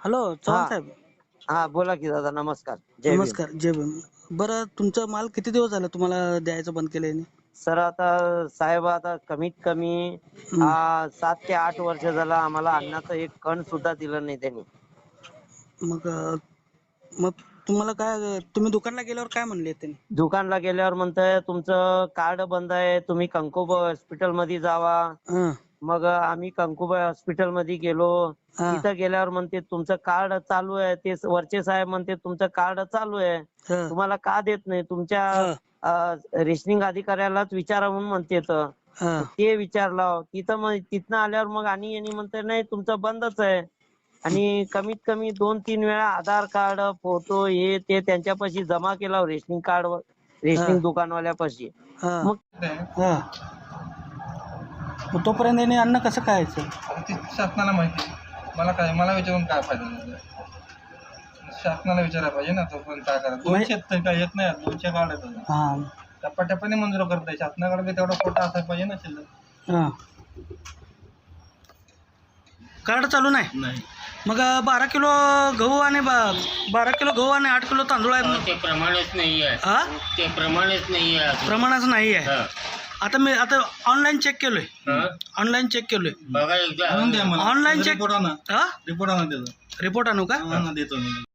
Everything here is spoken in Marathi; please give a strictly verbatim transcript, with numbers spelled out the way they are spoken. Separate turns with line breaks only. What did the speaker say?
हॅलो चव्हाण
हा
साहेब.
हा बोला की दादा. नमस्कार. जय भीम.
नमस्कार, जय भीम. बरं, तुमचा माल किती दिवस झाला तुम्हाला द्यायचं बंद केलं?
सर आता साहेब आता कमीत कमी
हम्म.
आ, सात ते आठ वर्ष झालं आम्हाला अन्नाचं एक कण सुद्धा दिलं नाही त्यांनी.
मग अं, मग तुम्हाला काय, तुम्ही दुकानला गेल्यावर काय म्हणले त्यांनी?
दुकानला गेल्यावर म्हणताय तुमचं कार्ड बंद आहे, तुम्ही कंकुबाई हॉस्पिटल मध्ये जावा.
हं,
मग आम्ही कंकुबाई हॉस्पिटल मध्ये गेलो.
हा,
तिथं गेल्यावर म्हणते तुमचं कार्ड चालू आहे. ते वरचे साहेब म्हणते तुमचं कार्ड चालू आहे,
हं,
तुम्हाला का देत नाही, तुमच्या
हं,
रेशनिंग अधिकाऱ्यालाच विचारा म्हणून म्हणते. तर
हं.
मग ते विचारलं तिथं, मग तिथनं आल्यावर मग आणि यांनी म्हणते नाही तुमचं बंदच आहे. आणि कमीत कमी दोन तीन वेळा आधार कार्ड, फोटो हे ते त्यांच्यापाशी जमा केला रेशनिंग कार्ड रेशनिंग दुकानवाल्यापाशी.
हं,
मग
हं. मग तोपर्यंत यांनी अन्न कसं खायचं?
आता ते शासनाला माहिती. मला काय मला विचारून काय फायदा झाला? शासनाला विचारायला पाहिजे ना तोपर्यंत काय करा. दोनशे तर काय येत नाही, दोनशे कार्ड येतात.
हा,
टप्प्याटप्प्याने मंजूर करताय. शासनाकडे बी तेवढा कोटा असायला पाहिजे ना शिल्लक.
हा. कार्ड चालू नाही?
नाही.
मग अं, बारा किलो गहू आणि बा- बारा किलो गहू आणि आठ किलो तांदूळ आहेत.
ते प्रमाणच नाही आहे.
हा,
ते प्रमाणच नाही आहे.
प्रमाणाच नाही आहे.
हा.
आता मी आता ऑनलाईन चेक केलोय,
हा?
ऑनलाईन चेक केलोय.
बघा एकदा
आणून द्या मला.
Online check.
रिपोर्ट आणा.
हा,
रिपोर्ट आणा त्याचा.
रिपोर्ट आणू का?
आणा देतो मी.